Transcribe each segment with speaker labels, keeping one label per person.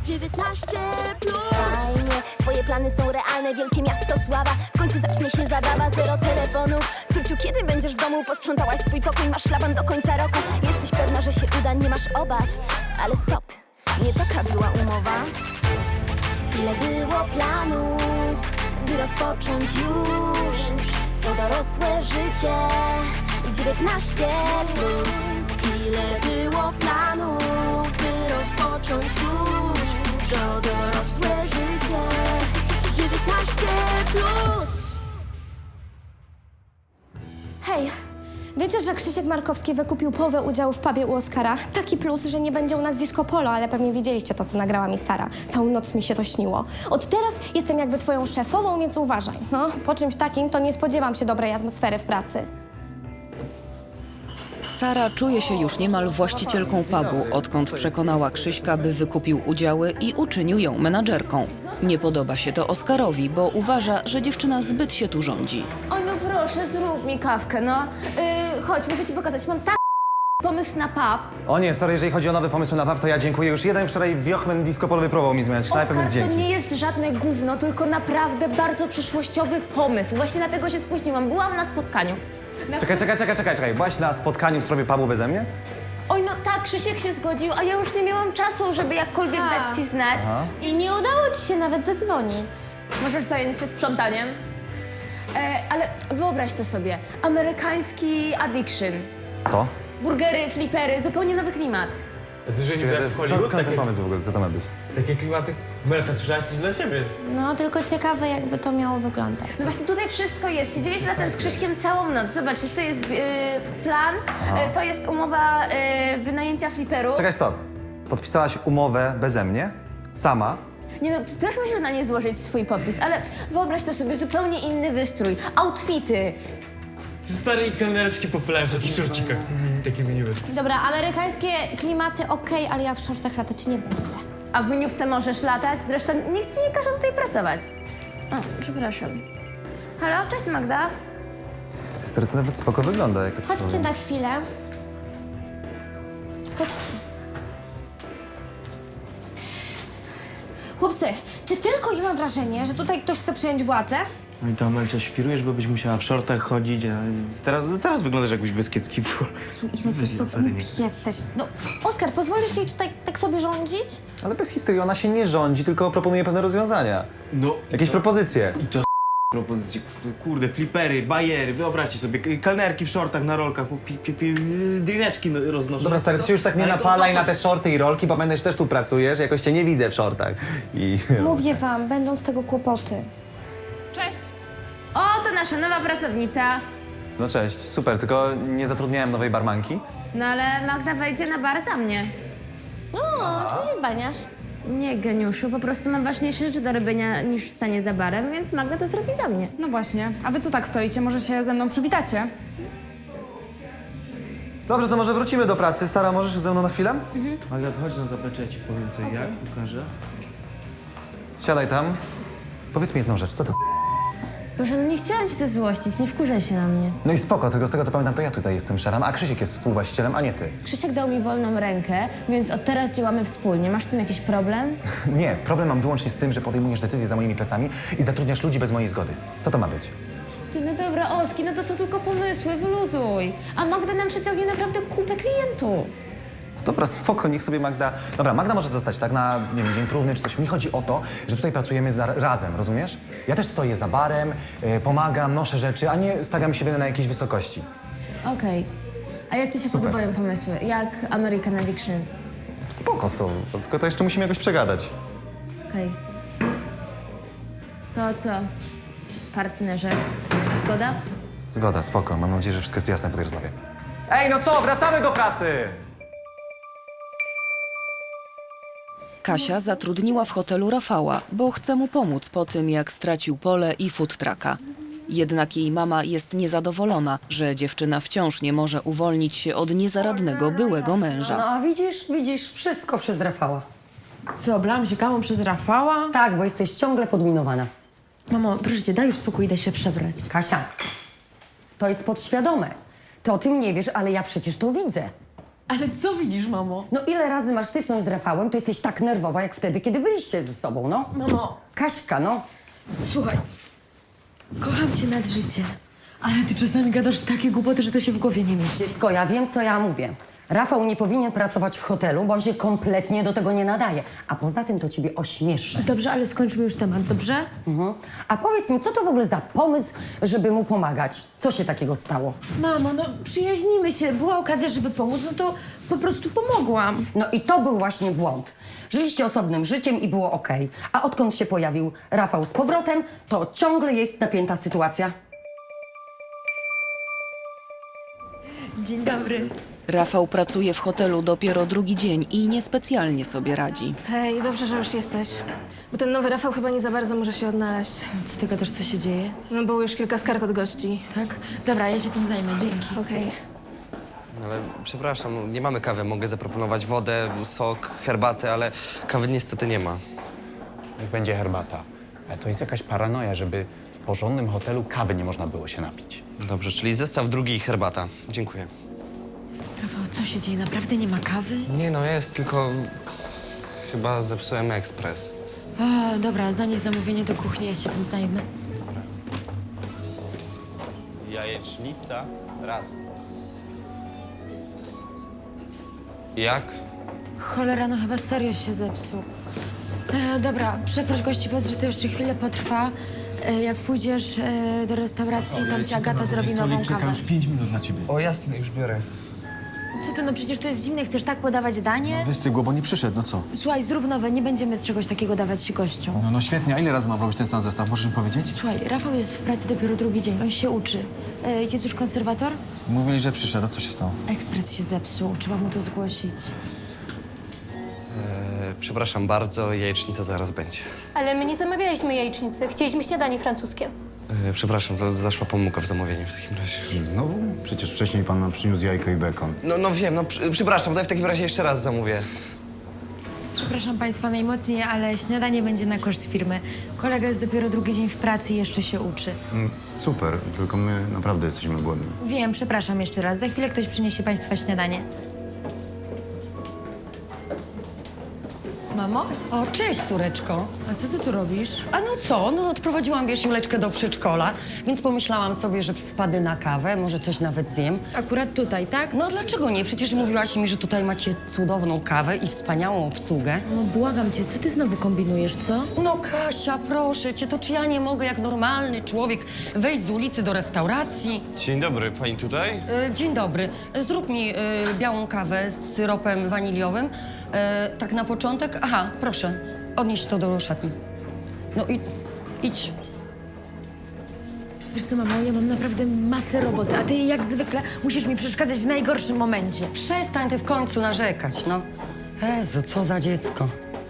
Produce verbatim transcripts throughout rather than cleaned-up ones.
Speaker 1: dziewiętnaście plus. Fajnie, twoje plany są realne, wielkie miasto sława. W końcu zacznie się zabawa, zero telefonów. Tuciu, kiedy będziesz w domu? Posprzątałaś swój pokój, masz szlaban do końca roku. Jesteś pewna, że się uda, nie masz obaw. Ale stop, nie taka była umowa. Ile było planów, by rozpocząć już to dorosłe życie. dziewiętnaście plus. Ile było planów, by rozpocząć już to dorosłe życie. dziewiętnaście plus.
Speaker 2: Hej, wiecie, że Krzysiek Markowski wykupił połowę udziału w pubie u Oskara? Taki plus, że nie będzie u nas disco polo, ale pewnie widzieliście to, co nagrała mi Sara. Całą noc mi się to śniło. Od teraz jestem jakby twoją szefową, więc uważaj. No, po czymś takim to nie spodziewam się dobrej atmosfery w pracy.
Speaker 3: Sara czuje się już niemal właścicielką pubu, odkąd przekonała Krzyśka, by wykupił udziały i uczynił ją menadżerką. Nie podoba się to Oskarowi, bo uważa, że dziewczyna zbyt się tu rządzi.
Speaker 4: Oj, no proszę, zrób mi kawkę, no. Yy, chodź, muszę ci pokazać. Mam tak pomysł na pub.
Speaker 5: O nie, sorry, jeżeli chodzi o nowe pomysły na pub, to ja dziękuję. Już jeden wczoraj wiochmen disco polowy próbował mi zmieniać knajpę,
Speaker 4: Oskar,
Speaker 5: więc
Speaker 4: to
Speaker 5: dzięki.
Speaker 4: nie jest żadne gówno, tylko naprawdę bardzo przyszłościowy pomysł. Właśnie dlatego się spóźniłam. Byłam na spotkaniu. Na...
Speaker 5: Czekaj, czekaj, czekaj, czekaj, czekaj. Byłaś na spotkaniu w sprawie pubu beze mnie?
Speaker 4: Oj, no tak, Krzysiek się zgodził, a ja już nie miałam czasu, żeby jakkolwiek
Speaker 2: A.
Speaker 4: dać ci znać.
Speaker 5: Aha.
Speaker 2: I nie udało ci się nawet zadzwonić.
Speaker 4: Możesz zająć się sprzątaniem. E, ale wyobraź to sobie. Amerykański addiction.
Speaker 5: Co?
Speaker 4: Burgery, flipery, zupełnie nowy klimat.
Speaker 6: A ty, że niby
Speaker 5: Że-
Speaker 6: jak w
Speaker 5: że-
Speaker 6: Hollywood,
Speaker 5: Skąd ten
Speaker 6: takie,
Speaker 5: pomysł w ogóle? Co to ma być?
Speaker 6: takie klimaty. Melka, słyszałaś coś dla siebie?
Speaker 2: No, tylko ciekawe, jakby to miało wyglądać.
Speaker 4: No właśnie tutaj wszystko jest. Siedzieliśmy na tym z Krzyśkiem całą noc. Zobacz, to jest yy, plan, yy, to jest umowa yy, wynajęcia fliperu.
Speaker 5: Czekaj, stop. Podpisałaś umowę beze mnie? Sama?
Speaker 4: Nie no, ty też musisz na nie złożyć swój podpis, ale wyobraź to sobie, zupełnie inny wystrój, outfity.
Speaker 6: Ty stare kelnereczki popylałem w takich szorcikach. Mhm, takie miły.
Speaker 2: Dobra, amerykańskie klimaty okej, ale ja w shortach latać nie będę.
Speaker 4: A w miniówce możesz latać, zresztą nikt ci nie każe tutaj pracować. O, przepraszam. Halo, cześć Magda.
Speaker 5: Stary, to nawet spoko wygląda, jak to
Speaker 2: Chodźcie na chwilę. Chodźcie. Chłopcy, czy tylko ja mam wrażenie, że tutaj ktoś chce przejąć władzę?
Speaker 7: No i to, Amelcia, świrujesz, bo byś musiała w shortach chodzić, a teraz, teraz wyglądasz jakbyś bez kiecki.
Speaker 2: Ile ty sobie głupi jesteś. No, Oskar, pozwolisz jej tutaj tak sobie rządzić?
Speaker 5: Ale bez historii, ona się nie rządzi, tylko proponuje pewne rozwiązania.
Speaker 7: No,
Speaker 5: Jakieś
Speaker 7: to,
Speaker 5: propozycje.
Speaker 7: I to propozycje, kurde, flipery, bajery, wyobraźcie sobie, k- kelnerki w shortach na rolkach, po pi, pi, pi, drineczki no- roznoszą.
Speaker 5: Dobra, stary, ty się już tak nie
Speaker 7: Ale to-
Speaker 5: napalaj
Speaker 7: to-
Speaker 5: na te shorty i rolki, bo pamiętaj, że też tu pracujesz, jakoś cię nie widzę w shortach. I...
Speaker 2: Mówię wam, będą z tego kłopoty.
Speaker 4: Cześć. O, to nasza nowa pracownica.
Speaker 5: No cześć, super, tylko nie zatrudniałem nowej barmanki.
Speaker 4: No ale Magda wejdzie na bar za mnie.
Speaker 2: No, czy się zwalniasz?
Speaker 4: Nie, geniuszu, po prostu mam ważniejsze rzeczy do robienia niż stanie za barem, więc Magda to zrobi za mnie.
Speaker 8: No właśnie. A wy co tak stoicie? Może się ze mną przywitacie?
Speaker 5: Dobrze, to może wrócimy do pracy. Sara, możesz ze mną na chwilę?
Speaker 7: Magda, to chodź na zaplecze, ja ci powiem co i jak, pokażę.
Speaker 5: Siadaj tam. Powiedz mi jedną rzecz, co to?
Speaker 4: Proszę, no nie chciałam cię złościć, nie wkurzaj się na mnie.
Speaker 5: No i spoko, tylko z tego co pamiętam, to ja tutaj jestem szefem, a Krzysiek jest współwłaścicielem, a nie ty.
Speaker 4: Krzysiek dał mi wolną rękę, więc od teraz działamy wspólnie. Masz z tym jakiś problem?
Speaker 5: Nie, problem mam wyłącznie z tym, że podejmujesz decyzje za moimi plecami i zatrudniasz ludzi bez mojej zgody. Co to ma być?
Speaker 4: Ty, no dobra, Oski, no to są tylko pomysły, wyluzuj. A Magda nam przeciągnie naprawdę kupę klientów.
Speaker 5: Dobra, spoko, niech sobie Magda... Dobra, Magda może zostać tak na, nie wiem, dzień próbny czy coś. Mi chodzi o to, że tutaj pracujemy za, razem, rozumiesz? Ja też stoję za barem, y, pomagam, noszę rzeczy, a nie stawiam siebie na jakiejś wysokości.
Speaker 4: Okej. A jak ci się podobają pomysły? Jak American Addiction?
Speaker 5: Spoko są, tylko to jeszcze musimy jakoś przegadać.
Speaker 4: Okej. To co? Partnerze, zgoda?
Speaker 5: Zgoda, spoko. Mam nadzieję, że wszystko jest jasne po tej rozmowie. Ej, no co? Wracamy do pracy!
Speaker 3: Kasia zatrudniła w hotelu Rafała, bo chce mu pomóc po tym, jak stracił pole i food trucka. Jednak jej mama jest niezadowolona, że dziewczyna wciąż nie może uwolnić się od niezaradnego byłego męża.
Speaker 9: No a widzisz, widzisz, wszystko przez Rafała.
Speaker 8: Co, oblałam się kawą przez Rafała?
Speaker 9: Tak, bo jesteś ciągle podminowana.
Speaker 8: Mamo, proszę cię, daj już spokój, idę się przebrać.
Speaker 9: Kasia, to jest podświadome. Ty o tym nie wiesz, ale ja przecież to widzę.
Speaker 8: Ale co widzisz, mamo?
Speaker 9: No ile razy masz styczność z Rafałem, to jesteś tak nerwowa, jak wtedy, kiedy byliście ze sobą, no.
Speaker 8: Mamo,
Speaker 9: Kaśka, no.
Speaker 8: słuchaj. Kocham cię nad życie. Ale ty czasami gadasz takie głupoty, że to się w głowie nie mieści.
Speaker 9: Dziecko, ja wiem, co ja mówię. Rafał nie powinien pracować w hotelu, bo on się kompletnie do tego nie nadaje. A poza tym to ciebie ośmieszy.
Speaker 8: Dobrze, ale skończmy już temat, dobrze?
Speaker 9: Mhm. A powiedz mi, co to w ogóle za pomysł, żeby mu pomagać? Co się takiego stało?
Speaker 8: Mamo, no przyjaźnimy się. Była okazja, żeby pomóc, no to po prostu pomogłam.
Speaker 9: No i to był właśnie błąd. Żyliście osobnym życiem i było okej. A odkąd się pojawił Rafał z powrotem, to ciągle jest napięta sytuacja.
Speaker 8: Dzień dobry.
Speaker 3: Rafał pracuje w hotelu dopiero drugi dzień i niespecjalnie sobie radzi.
Speaker 2: Hej, dobrze, że już jesteś. Bo ten nowy Rafał chyba nie za bardzo może się odnaleźć.
Speaker 8: Co ty gadasz, co się dzieje?
Speaker 2: No było już kilka skarg od gości.
Speaker 8: Tak? Dobra, ja się tym zajmę, dzięki.
Speaker 2: Okej.
Speaker 10: Ale przepraszam, nie mamy kawy. Mogę zaproponować wodę, sok, herbatę, ale kawy niestety nie ma.
Speaker 11: Niech będzie herbata. Ale to jest jakaś paranoja, żeby w porządnym hotelu kawy nie można było się napić.
Speaker 10: Dobrze, czyli zestaw drugi i herbata. Dziękuję.
Speaker 8: Rafał, co się dzieje? Naprawdę nie ma kawy?
Speaker 10: Nie no, jest, tylko chyba zepsułem ekspres.
Speaker 8: O, dobra, zanieś zamówienie do kuchni, ja się tym zajmę.
Speaker 10: Jajecznica, raz. Jak?
Speaker 8: Cholera, no chyba serio się zepsuł. E, dobra, przeproś gości, powiedz, że to jeszcze chwilę potrwa. E, jak pójdziesz e, do restauracji, tam ci Agata zrobi nową kawę.
Speaker 6: pięć minut na ciebie.
Speaker 10: O jasne, już biorę.
Speaker 8: Co ty, no przecież to jest zimne, chcesz tak podawać danie?
Speaker 6: Wystygło, bo nie przyszedł, no co?
Speaker 8: Słuchaj, zrób nowe, nie będziemy czegoś takiego dawać gościom.
Speaker 6: No, no świetnie, a ile razy mam robić ten sam zestaw? Możesz mi powiedzieć?
Speaker 8: Słuchaj, Rafał jest w pracy dopiero drugi dzień, on się uczy. E, jest już konserwator?
Speaker 6: Mówili, że przyszedł, a co się stało?
Speaker 8: Ekspres się zepsuł, trzeba mu to zgłosić.
Speaker 10: E, przepraszam bardzo, jajecznica zaraz będzie.
Speaker 1: Ale my nie zamawialiśmy jajecznicy, chcieliśmy śniadanie francuskie.
Speaker 10: E, przepraszam, to zaszła pomyłka w zamówieniu w takim razie.
Speaker 12: Znowu? Przecież wcześniej pan nam przyniósł jajko i bekon.
Speaker 10: No, no wiem, no przy, przepraszam, to ja w takim razie jeszcze raz zamówię.
Speaker 8: Przepraszam Państwa najmocniej, ale śniadanie będzie na koszt firmy. Kolega jest dopiero drugi dzień w pracy i jeszcze się uczy.
Speaker 12: Mm, super, tylko my naprawdę jesteśmy głodni.
Speaker 8: Wiem, przepraszam jeszcze raz. Za chwilę ktoś przyniesie Państwa śniadanie. Mamo?
Speaker 9: O, cześć, córeczko.
Speaker 8: A co ty tu robisz?
Speaker 9: A no co? No odprowadziłam, wiesz, Juleczkę do przedszkola, więc pomyślałam sobie, że wpadę na kawę, może coś nawet zjem.
Speaker 8: Akurat tutaj, tak?
Speaker 9: No dlaczego nie? Przecież mówiłaś mi, że tutaj macie cudowną kawę i wspaniałą obsługę.
Speaker 8: No błagam cię, co ty znowu kombinujesz, co?
Speaker 9: No Kasia, proszę cię, to czy ja nie mogę jak normalny człowiek wejść z ulicy do restauracji?
Speaker 10: Dzień dobry, pani tutaj?
Speaker 9: E, dzień dobry. Zrób mi e, białą kawę z syropem waniliowym. E, tak na początek. Aha, proszę, odnieś to do szatni. No i idź.
Speaker 8: Wiesz co, mamo, ja mam naprawdę masę roboty, a ty jak zwykle musisz mi przeszkadzać w najgorszym momencie.
Speaker 9: Przestań ty w końcu narzekać, no. Jezu, co za dziecko.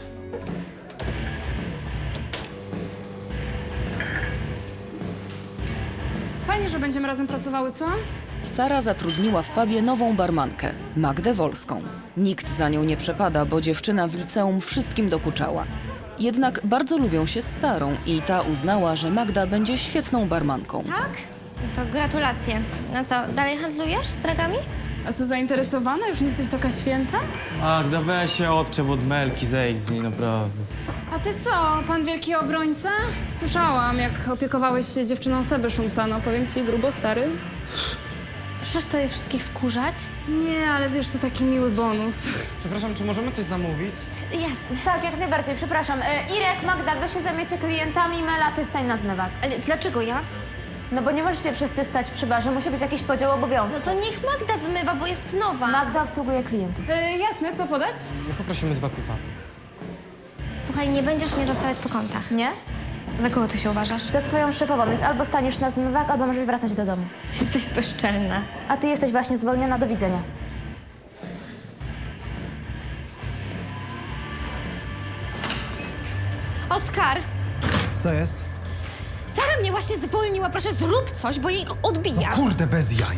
Speaker 8: Fajnie, że będziemy razem pracowały, co?
Speaker 3: Sara zatrudniła w pubie nową barmankę, Magdę Wolską. Nikt za nią nie przepada, bo dziewczyna w liceum wszystkim dokuczała. Jednak bardzo lubią się z Sarą i ta uznała, że Magda będzie świetną barmanką.
Speaker 2: Tak? No to gratulacje. No co, dalej handlujesz dragami?
Speaker 8: A co, zainteresowana? Już nie jesteś taka święta?
Speaker 7: Magda, weź się odczep od Melki, zejdź z niej, naprawdę.
Speaker 8: A ty co, pan wielki obrońca? Słyszałam, jak opiekowałeś się dziewczyną Seby Szumca. No powiem ci, grubo stary.
Speaker 2: Przyszłaś tutaj wszystkich wkurzać?
Speaker 8: Nie, ale wiesz, to taki miły bonus.
Speaker 10: Przepraszam, czy możemy coś zamówić?
Speaker 2: Jasne.
Speaker 4: Tak, jak najbardziej, przepraszam. E, Irek, Magda, wy się zajmiecie klientami, Mela, ty stań na zmywak.
Speaker 2: Ale dlaczego ja?
Speaker 4: No bo nie możecie wszyscy stać przy barze, musi być jakiś podział obowiązków.
Speaker 2: No to niech Magda zmywa, bo jest nowa.
Speaker 4: Magda obsługuje klientów.
Speaker 8: E, jasne, co podać?
Speaker 10: Poprosimy dwa pita.
Speaker 2: Słuchaj, nie będziesz mnie rozstawiać po kątach.
Speaker 4: Nie?
Speaker 2: Za kogo ty się uważasz?
Speaker 4: Za twoją szefową, więc albo staniesz na zmywak, albo możesz wracać do domu.
Speaker 2: Jesteś bezczelna.
Speaker 4: A ty jesteś właśnie zwolniona, do widzenia.
Speaker 2: Oskar!
Speaker 6: Co jest?
Speaker 2: Sara mnie właśnie zwolniła. Proszę, zrób coś, bo jej odbija.
Speaker 6: Kurde, bez jaj.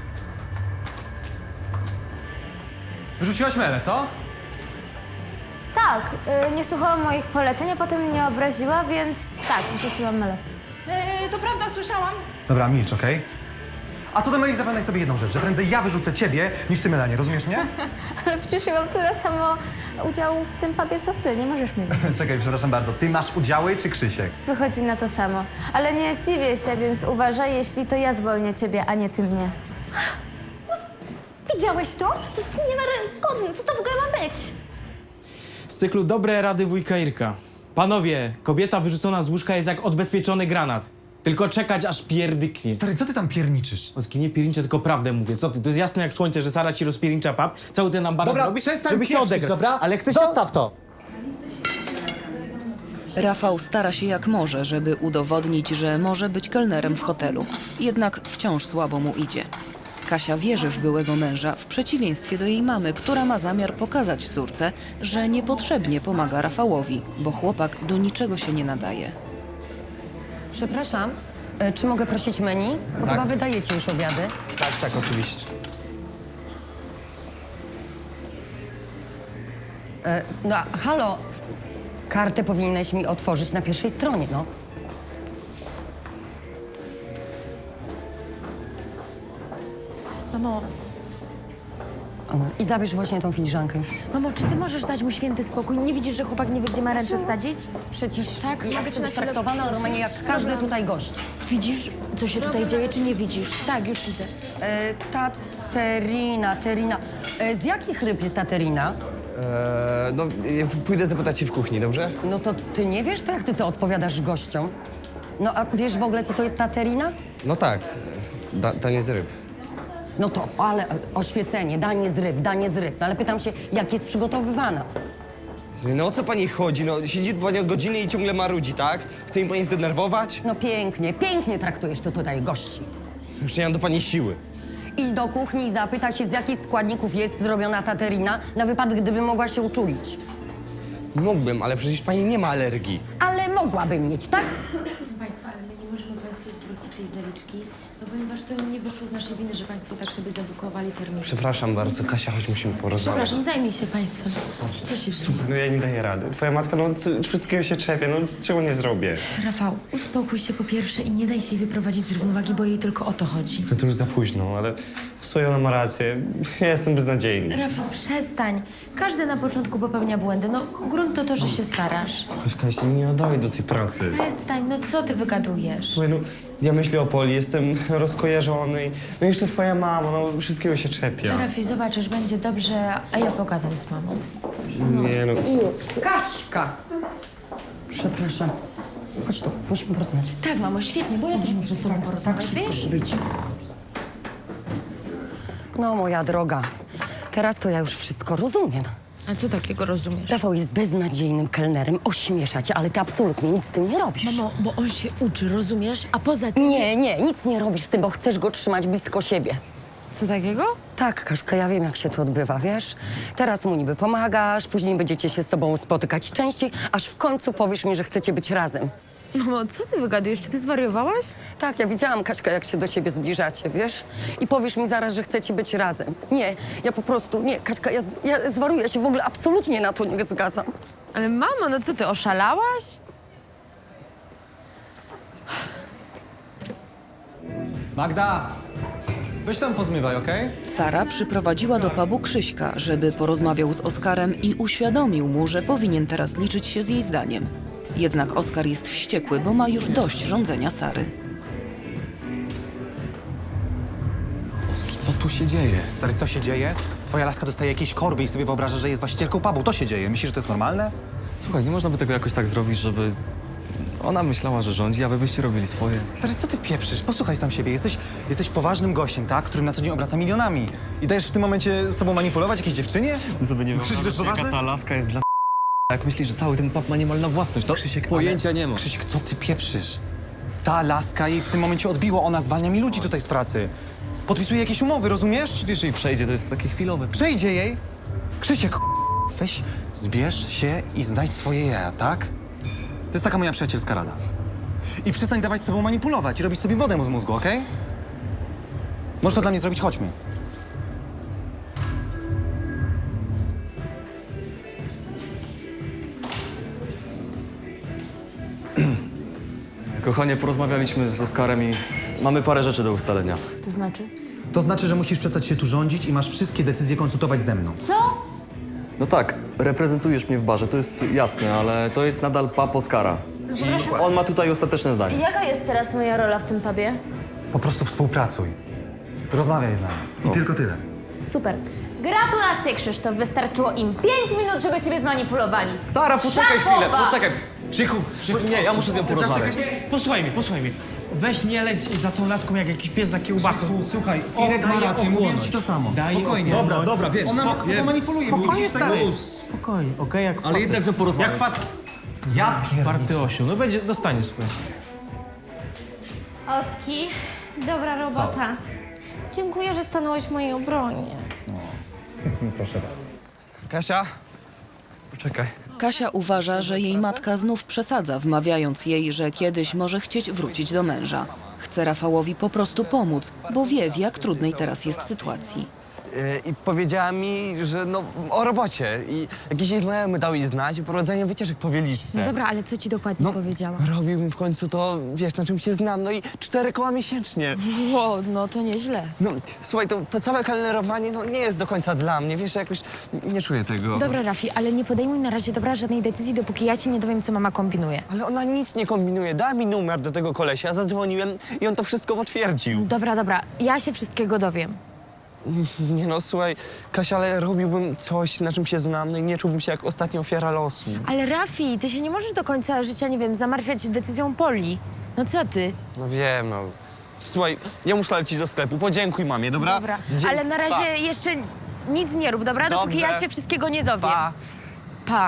Speaker 5: Wyrzuciłaś Melę, co?
Speaker 4: Tak, y, nie słuchała moich poleceń, a potem mnie obraziła, więc tak, wrzuciłam Melę.
Speaker 8: E, to prawda, słyszałam.
Speaker 5: Dobra, milcz, okej? A co do Meli, zapamiętaj sobie jedną rzecz, że prędzej ja wyrzucę ciebie, niż ty Melanie, rozumiesz mnie?
Speaker 4: Ale przecież ja mam tyle samo udziału w tym pubie, co ty. Nie możesz mnie wybić.
Speaker 5: Czekaj, przepraszam bardzo, ty masz udziały czy Krzysiek?
Speaker 4: Wychodzi na to samo. Ale nie zdziwię się, więc uważaj, jeśli to ja zwolnię ciebie, a nie ty mnie.
Speaker 2: Widziałeś to? To jest niewiarygodne. Co to w ogóle ma być?
Speaker 7: Z cyklu Dobre rady wujka Irka. Panowie, kobieta wyrzucona z łóżka jest jak odbezpieczony granat. Tylko czekać, aż pierdyknie.
Speaker 5: Stary, co ty tam pierniczysz?
Speaker 7: Oski, nie pierniczę, tylko prawdę mówię. Co ty? To jest jasne jak słońce, że Sara ci rozpiernicza pap. Cały ten ambaras
Speaker 5: Dobra,
Speaker 7: robi,
Speaker 5: przestań
Speaker 7: żeby się
Speaker 5: pieprzyć,
Speaker 7: odegrać.
Speaker 5: dobra?
Speaker 7: Ale chcę
Speaker 5: Do-
Speaker 7: się staw to.
Speaker 3: Rafał stara się jak może, żeby udowodnić, że może być kelnerem w hotelu. Jednak wciąż słabo mu idzie. Kasia wierzy w byłego męża, w przeciwieństwie do jej mamy, która ma zamiar pokazać córce, że niepotrzebnie pomaga Rafałowi, bo chłopak do niczego się nie nadaje.
Speaker 9: Przepraszam, e, czy mogę prosić menu? Bo chyba wydajecie już obiady.
Speaker 10: Tak, tak, oczywiście.
Speaker 9: E, no, a- halo, kartę powinnaś mi otworzyć na pierwszej stronie, no.
Speaker 8: Mamo,
Speaker 9: O, I zabierz właśnie tą filiżankę już.
Speaker 8: mamo, czy ty możesz dać mu święty spokój? Nie widzisz, że chłopak nie wie, gdzie ma ręce wsadzić?
Speaker 9: Przecież
Speaker 8: Tak,
Speaker 9: ja
Speaker 8: mogę
Speaker 9: chcę
Speaker 8: cię na
Speaker 9: być
Speaker 8: chwilę
Speaker 9: traktowana
Speaker 8: poprosić?
Speaker 9: normalnie jak każdy
Speaker 8: Dobra.
Speaker 9: tutaj gość.
Speaker 8: Widzisz, co się tutaj dzieje, czy nie widzisz? Tak, już widzę.
Speaker 9: E, ta terina, terina. E, z jakich ryb jest ta terina?
Speaker 10: Eee, no, ja pójdę zapytać się w kuchni, dobrze?
Speaker 9: No to ty nie wiesz, to jak ty to odpowiadasz gościom? No a wiesz w ogóle, co to jest ta terina?
Speaker 10: No tak, da, danie z ryb.
Speaker 9: No to, ale oświecenie, danie z ryb, danie z ryb. No ale pytam się, jak jest przygotowywana?
Speaker 10: No o co pani chodzi? No siedzi pani od godziny i ciągle marudzi, tak? Chce mi pani zdenerwować?
Speaker 9: No pięknie, pięknie traktujesz tu tutaj gości.
Speaker 10: Już nie mam do pani siły.
Speaker 9: Idź do kuchni i zapytaj się, z jakich składników jest zrobiona ta terina, na wypadek, gdyby mogła się uczulić.
Speaker 10: Mógłbym, ale przecież pani nie ma alergii.
Speaker 9: Ale mogłabym mieć, tak?
Speaker 8: Państwa, ale my nie możemy Państwu zwrócić tej zaliczki, no ponieważ to nie wyszło z naszej winy, że Państwo tak sobie zabukowali termin.
Speaker 10: Przepraszam bardzo, Kasia, chodź, musimy porozmawiać.
Speaker 8: Przepraszam, zajmij się Państwem. Co się dzieje?
Speaker 13: No ja nie daję rady. Twoja matka, no c- wszystkiego się czepie, no czego nie zrobię?
Speaker 8: Rafał, uspokój się po pierwsze i nie daj się jej wyprowadzić z równowagi, bo jej tylko o to chodzi.
Speaker 13: No to już za późno, ale w sumie ona ma rację. Ja jestem beznadziejny.
Speaker 8: Rafał, przestań. Każdy na początku popełnia błędy. No, grunt to to, że się starasz.
Speaker 13: Kaśka, się nie nadaje do tej pracy.
Speaker 8: Przestań, no co ty wygadujesz?
Speaker 13: Słuchaj, no ja myślę o Poli, jestem rozkojarzony. No i jeszcze twoja mama, no wszystkiego się czepia.
Speaker 8: Rafi, zobaczysz, będzie dobrze, a ja pogadam z mamą.
Speaker 13: Nie no.
Speaker 9: Kaśka! Przepraszam. Chodź tu, musimy porozmawiać.
Speaker 8: Tak, mamo, świetnie, bo ja też muszę z tobą porozmawiać, wiesz?
Speaker 9: Wyjdź. No, moja droga, teraz to ja już wszystko rozumiem.
Speaker 8: A co takiego rozumiesz?
Speaker 9: Rafał jest beznadziejnym kelnerem, ośmiesza cię, ale ty absolutnie nic z tym nie robisz.
Speaker 8: Mamo, bo on się uczy, rozumiesz? A poza tym...
Speaker 9: Nie, nie, nic nie robisz z tym, bo chcesz go trzymać blisko siebie.
Speaker 8: Co takiego?
Speaker 9: Tak, Kaszka, ja wiem, jak się to odbywa, wiesz? Teraz mu niby pomagasz, później będziecie się z tobą spotykać częściej, aż w końcu powiesz mi, że chcecie być razem.
Speaker 8: Mamo, co ty wygadujesz? Czy ty zwariowałaś?
Speaker 9: Tak, ja widziałam, Kaśka, jak się do siebie zbliżacie, wiesz? I powiesz mi zaraz, że chcecie być razem. Nie, ja po prostu, nie, Kaśka, ja, z- ja zwaruję, ja się w ogóle absolutnie na to nie zgadzam.
Speaker 8: Ale mamo, no co ty, oszalałaś?
Speaker 5: Magda! Weź tam pozmywaj, okej?
Speaker 3: Sara przyprowadziła do pubu Krzyśka, żeby porozmawiał z Oskarem i uświadomił mu, że powinien teraz liczyć się z jej zdaniem. Jednak Oskar jest wściekły, bo ma już dość rządzenia Sary.
Speaker 11: Oski, co tu się dzieje?
Speaker 5: Stary, co się dzieje? Twoja laska dostaje jakieś korby i sobie wyobraża, że jest właścicielką pubu. To się dzieje. Myślisz, że to jest normalne?
Speaker 6: Słuchaj, nie można by tego jakoś tak zrobić, żeby ona myślała, że rządzi, a wy byście robili swoje.
Speaker 5: Stary, co ty pieprzysz? Posłuchaj sam siebie. Jesteś, jesteś poważnym gościem, tak? Którym na co dzień obraca milionami. I dajesz w tym momencie sobą manipulować jakiejś dziewczynie?
Speaker 6: Sobie nie
Speaker 5: Krzysiek, to jest
Speaker 6: jaka
Speaker 5: poważne?
Speaker 6: ta laska jest dla jak myślisz, że cały ten pub ma niemalna własność, to Krzysiek,
Speaker 11: Pojęcia nie ma.
Speaker 5: Krzysiek, co ty pieprzysz? Ta laska jej w tym momencie odbiło. Ona zwalnia mi ludzi tutaj z pracy. Podpisuje jakieś umowy, rozumiesz?
Speaker 6: Przecież jej przejdzie, to jest takie chwilowe.
Speaker 5: Przejdzie jej. Krzysiek, weź, zbierz się i znajdź swoje jaja, tak? To jest taka moja przyjacielska rada. I przestań dawać sobą manipulować i robić sobie wodę z mózgu, okej? Możesz to dla mnie zrobić, chodźmy.
Speaker 6: Kochanie, porozmawialiśmy z Oskarem i mamy parę rzeczy do ustalenia.
Speaker 4: To znaczy?
Speaker 5: To znaczy, że musisz przestać się tu rządzić i masz wszystkie decyzje konsultować ze mną.
Speaker 4: Co?
Speaker 6: No tak, reprezentujesz mnie w barze, to jest jasne, ale to jest nadal pap Oskara. I on ma tutaj ostateczne zdanie.
Speaker 4: Jaka jest teraz moja rola w tym pubie?
Speaker 5: Po prostu współpracuj. Rozmawiaj z nami. I tylko tyle.
Speaker 4: Super. Gratulacje, Krzysztof. Wystarczyło im pięć minut, żeby ciebie zmanipulowali.
Speaker 6: Sara, poczekaj chwilę,
Speaker 4: Szafowa!
Speaker 6: poczekaj. Krzychu, Krzychu, nie, ja muszę z nią porozmawiać.
Speaker 7: Posłuchaj mnie, posłuchaj mnie. Weź nie leć za tą laską jak jakiś pies za kiełbasą. Słuchaj,
Speaker 5: Irek ma rację, mówiłem ci to samo.
Speaker 7: Daj
Speaker 5: Spokojnie.
Speaker 7: Dobra,
Speaker 5: dobra, wiem. Ona
Speaker 7: Spoko-
Speaker 5: to manipuluje, bo
Speaker 7: Spokojnie,
Speaker 5: widzisz tego
Speaker 7: stary.
Speaker 5: luz.
Speaker 7: Spokojnie, okej, jak
Speaker 6: Ale
Speaker 7: facet.
Speaker 6: jednak z nią porozmawiaj.
Speaker 7: Jak facet.
Speaker 5: Ja
Speaker 7: Party
Speaker 5: pierdolę.
Speaker 7: osiu, no będzie, dostaniesz swoje.
Speaker 2: Oski, dobra robota. Dziękuję, że stanąłeś w mojej obronie.
Speaker 10: Kasia? Poczekaj.
Speaker 3: Kasia uważa, że jej matka znów przesadza, wmawiając jej, że kiedyś może chcieć wrócić do męża. Chce Rafałowi po prostu pomóc, bo wie, w jak trudnej teraz jest sytuacji.
Speaker 10: Yy, I powiedziała mi, że no o robocie. I jakiś jej znajomy dał jej znać o prowadzeniu wycieczek po Wieliczce.
Speaker 8: No dobra, ale co ci dokładnie
Speaker 10: No,
Speaker 8: powiedziała?
Speaker 10: robiłbym w końcu to, wiesz, na czym się znam. No i cztery koła miesięcznie.
Speaker 8: Wow, no to nieźle.
Speaker 10: No, słuchaj, to, to całe kelnerowanie no, nie jest do końca dla mnie. Wiesz, ja jakoś nie czuję tego.
Speaker 8: Dobra, Rafi, ale nie podejmuj na razie dobra żadnej decyzji, dopóki ja ci nie dowiem, co mama kombinuje.
Speaker 10: Ale ona nic nie kombinuje. Dała mi numer do tego kolesia, zadzwoniłem i on to wszystko potwierdził.
Speaker 8: Dobra, dobra, ja się wszystkiego dowiem.
Speaker 10: Nie no, słuchaj, Kasia, ale robiłbym coś, na czym się znam, no i nie czułbym się jak ostatnia ofiara losu.
Speaker 8: Ale Rafi, ty się nie możesz do końca życia, nie wiem, zamartwiać decyzją Poli. No co ty?
Speaker 10: No wiem, no. Słuchaj, ja muszę lecieć do sklepu. Podziękuj mamie, dobra?
Speaker 8: Dobra,
Speaker 10: Dzie-
Speaker 8: ale na razie
Speaker 10: Pa.
Speaker 8: jeszcze nic nie rób, dobra? Dopóki
Speaker 10: Dobrze.
Speaker 8: ja się wszystkiego nie dowiem.
Speaker 10: Pa.
Speaker 8: Pa.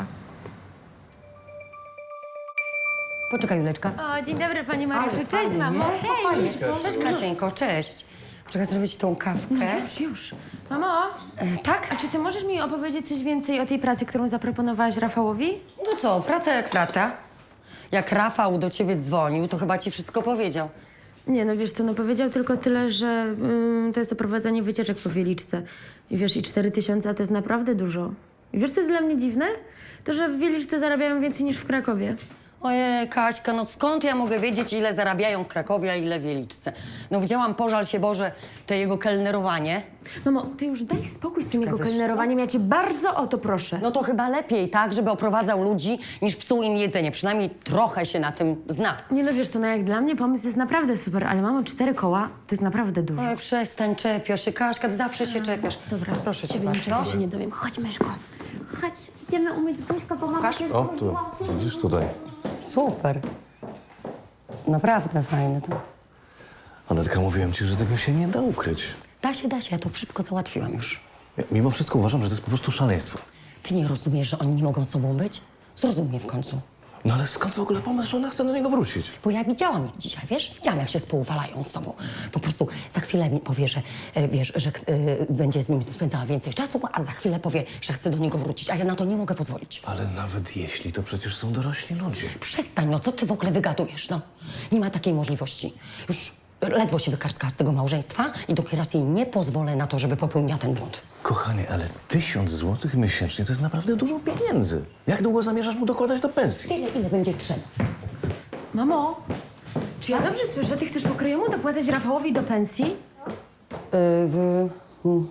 Speaker 9: Poczekaj, Juleczka.
Speaker 2: O, dzień dobry, pani Mariuszu. Cześć, mamo.
Speaker 9: To fajnie. Cześć, Kasieńko, cześć. Czekaj, zrobić tą kawkę.
Speaker 2: Już, już. Mamo,
Speaker 9: E, tak?
Speaker 2: a czy ty możesz mi opowiedzieć coś więcej o tej pracy, którą zaproponowałaś Rafałowi?
Speaker 9: No co, praca jak praca. Jak Rafał do ciebie dzwonił, to chyba ci wszystko powiedział.
Speaker 2: Nie, no wiesz co, no powiedział tylko tyle, że ym, to jest oprowadzanie wycieczek po Wieliczce. I wiesz, i cztery tysiące to jest naprawdę dużo. I wiesz, co jest dla mnie dziwne? To, że w Wieliczce zarabiają więcej niż w Krakowie.
Speaker 9: Ojej, Kaśka, no skąd ja mogę wiedzieć, ile zarabiają w Krakowie, a ile w Wieliczce? No widziałam, pożal się Boże, to jego kelnerowanie.
Speaker 2: Mamo, ty już daj spokój z tym jego
Speaker 9: wiesz co?
Speaker 2: kelnerowaniem, ja cię bardzo o to proszę.
Speaker 9: No to chyba lepiej tak, żeby oprowadzał ludzi, niż psuł im jedzenie. Przynajmniej trochę się na tym zna.
Speaker 2: Nie no, wiesz co, no jak dla mnie pomysł jest naprawdę super, ale mamo, cztery koła to jest naprawdę dużo.
Speaker 9: Oj, przestań, czepiasz się, Kaśka, ty zawsze się czepiasz.
Speaker 2: Dobra,
Speaker 9: Proszę cię
Speaker 2: ciebie
Speaker 9: bardzo.
Speaker 2: niczego się nie dowiem. Chodź, myszko. Chodź, idziemy umyć buźko, bo mama
Speaker 9: Pokaż.
Speaker 2: się
Speaker 12: O, tu, widzisz tutaj.
Speaker 9: Super. Naprawdę fajne to.
Speaker 12: Anetka, mówiłem ci, że tego się nie da ukryć.
Speaker 9: Da się, da się, ja to wszystko załatwiłam już.
Speaker 12: Ja, mimo wszystko uważam, że to jest po prostu szaleństwo.
Speaker 9: Ty nie rozumiesz, że oni nie mogą sobą być? Zrozum mnie w końcu.
Speaker 12: No ale skąd w ogóle pomysł, że ona chce do niego wrócić?
Speaker 9: Bo ja widziałam ich dzisiaj, wiesz? Widziałam, jak się spouwalają z sobą. Po prostu za chwilę mi powie, że, e, wiesz, że e, będzie z nim spędzała więcej czasu, a za chwilę powie, że chce do niego wrócić, a ja na to nie mogę pozwolić.
Speaker 12: Ale nawet jeśli, to przecież są dorośli ludzie.
Speaker 9: Przestań, no co ty w ogóle wygadujesz, no? Nie ma takiej możliwości. Już ledwo się wykarskała z tego małżeństwa i dopiero raz jej nie pozwolę na to, żeby popełniła ten błąd.
Speaker 12: Kochanie, ale tysiąc złotych miesięcznie to jest naprawdę dużo pieniędzy. Jak długo zamierzasz mu dokładać do pensji?
Speaker 9: Tyle, ile będzie trzeba.
Speaker 2: Mamo, czy ja dobrze słyszę, ty chcesz pokrojemu dopłacać Rafałowi do pensji?
Speaker 9: Yy, w... hmm.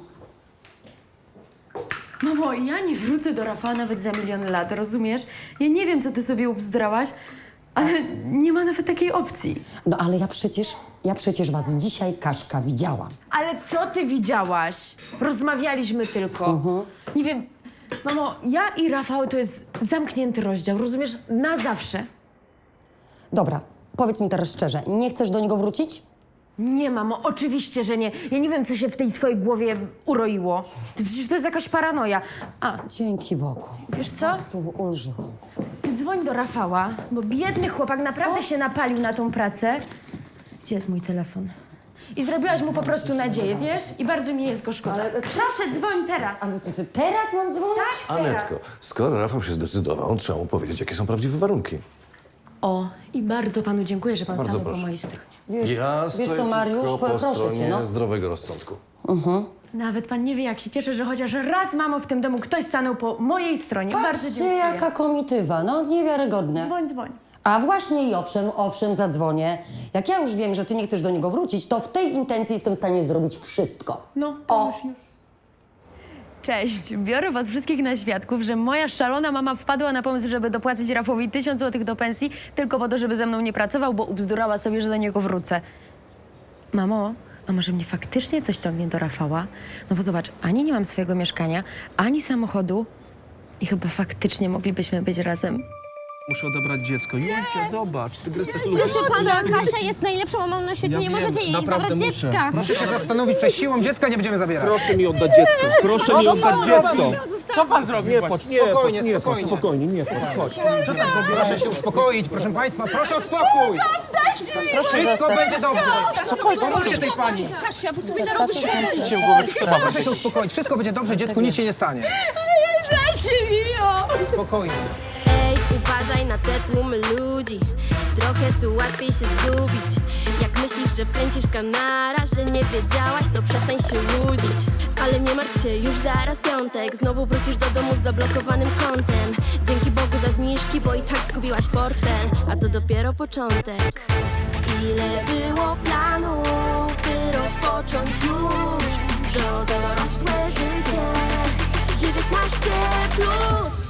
Speaker 2: Mamo, ja nie wrócę do Rafała nawet za milion lat, rozumiesz? Ja nie wiem, co ty sobie ubzdrałaś, ale nie ma nawet takiej opcji.
Speaker 9: No ale ja przecież, ja przecież was dzisiaj, Kaśka, widziałam.
Speaker 8: Ale co ty widziałaś? Rozmawialiśmy tylko.
Speaker 2: Nie wiem, mamo, ja i Rafał to jest zamknięty rozdział, rozumiesz? Na zawsze.
Speaker 9: Dobra, powiedz mi teraz szczerze, nie chcesz do niego wrócić?
Speaker 2: Nie, mamo, oczywiście, że nie. Ja nie wiem, co się w tej twojej głowie uroiło. Przecież to jest jakaś paranoja. A,
Speaker 9: Dzięki Bogu.
Speaker 2: wiesz co?
Speaker 9: Tu ulżył.
Speaker 2: Dzwoń do Rafała, bo biedny chłopak naprawdę się napalił na tą pracę. Gdzie jest mój telefon? I zrobiłaś mu po prostu nadzieję, wiesz? I bardzo mi jest go szkoda.
Speaker 9: Ale-
Speaker 2: Proszę, dzwoń teraz.
Speaker 9: Ale to ty teraz mam dzwonić?
Speaker 2: Tak,
Speaker 12: Anetko,
Speaker 2: teraz.
Speaker 12: skoro Rafał się zdecydował, trzeba mu powiedzieć, jakie są prawdziwe warunki.
Speaker 2: O, i bardzo panu dziękuję, że pan
Speaker 12: Bardzo
Speaker 2: stanął po
Speaker 12: proszę.
Speaker 2: mojej stronie.
Speaker 9: Wiesz,
Speaker 12: Ja
Speaker 9: wiesz
Speaker 12: stoję
Speaker 9: co, Mariusz,
Speaker 12: tylko
Speaker 9: po,
Speaker 12: po
Speaker 9: proszę cię,
Speaker 12: stronie
Speaker 9: no.
Speaker 12: zdrowego rozsądku.
Speaker 2: Nawet pan nie wie, jak się cieszę, że chociaż raz, mamo, w tym domu ktoś stanął po mojej stronie. bardzo
Speaker 9: Patrzcie,
Speaker 2: dziękuję.
Speaker 9: jaka komitywa, no niewiarygodne.
Speaker 2: Dzwoń, dzwoń.
Speaker 9: A właśnie i owszem, owszem, zadzwonię. Jak ja już wiem, że ty nie chcesz do niego wrócić, to w tej intencji jestem w stanie zrobić wszystko.
Speaker 8: No,
Speaker 9: O,
Speaker 4: Cześć, biorę was wszystkich na świadków, że moja szalona mama wpadła na pomysł, żeby dopłacić Rafowi tysiąc złotych do pensji tylko po to, żeby ze mną nie pracował, bo ubzdurała sobie, że do niego wrócę. Mamo, a może mnie faktycznie coś ciągnie do Rafała? No bo zobacz, ani nie mam swojego mieszkania, ani samochodu i chyba faktycznie moglibyśmy być razem.
Speaker 14: Muszę odebrać dziecko. Julcia, zobacz, tygrysek lubi.
Speaker 2: Proszę pana, Kasia jest najlepszą mamą na świecie,
Speaker 14: Ja
Speaker 2: nie
Speaker 14: wiem,
Speaker 2: możecie jej
Speaker 14: naprawdę
Speaker 2: zabrać
Speaker 14: muszę.
Speaker 2: dziecka.
Speaker 15: Proszę się zastanowić, przez siłą dziecka nie będziemy zabierać.
Speaker 14: Proszę mi oddać dziecko, proszę mi oddać dziecko.
Speaker 7: Co pan zrobił?
Speaker 14: Nie płacz, nie
Speaker 15: Spokojnie,
Speaker 14: płacz, nie płacz,
Speaker 15: spokojnie.
Speaker 14: spokojnie, nie płacz, chodź.
Speaker 15: Proszę się uspokoić, proszę państwa, proszę o spokój! Wszystko będzie dobrze! Pomóżcie tej pani!
Speaker 2: Kasia, bo sobie narobisz
Speaker 15: Proszę się uspokoić, wszystko będzie dobrze, dziecku nic się nie stanie. Spokojnie.
Speaker 1: Ej, uważaj na te tłumy ludzi. Trochę tu łatwiej się zgubić. Jak myślisz, że pędzisz kanara, że nie wiedziałaś, to przestań się łudzić. Ale nie martw się, już zaraz piątek. Znowu wrócisz do domu z zablokowanym kontem. Dzięki Bogu za zniżki, bo i tak zgubiłaś portfel. A to dopiero początek. Ile było planów, by rozpocząć już to dorosłe życie. dziewiętnaście plus.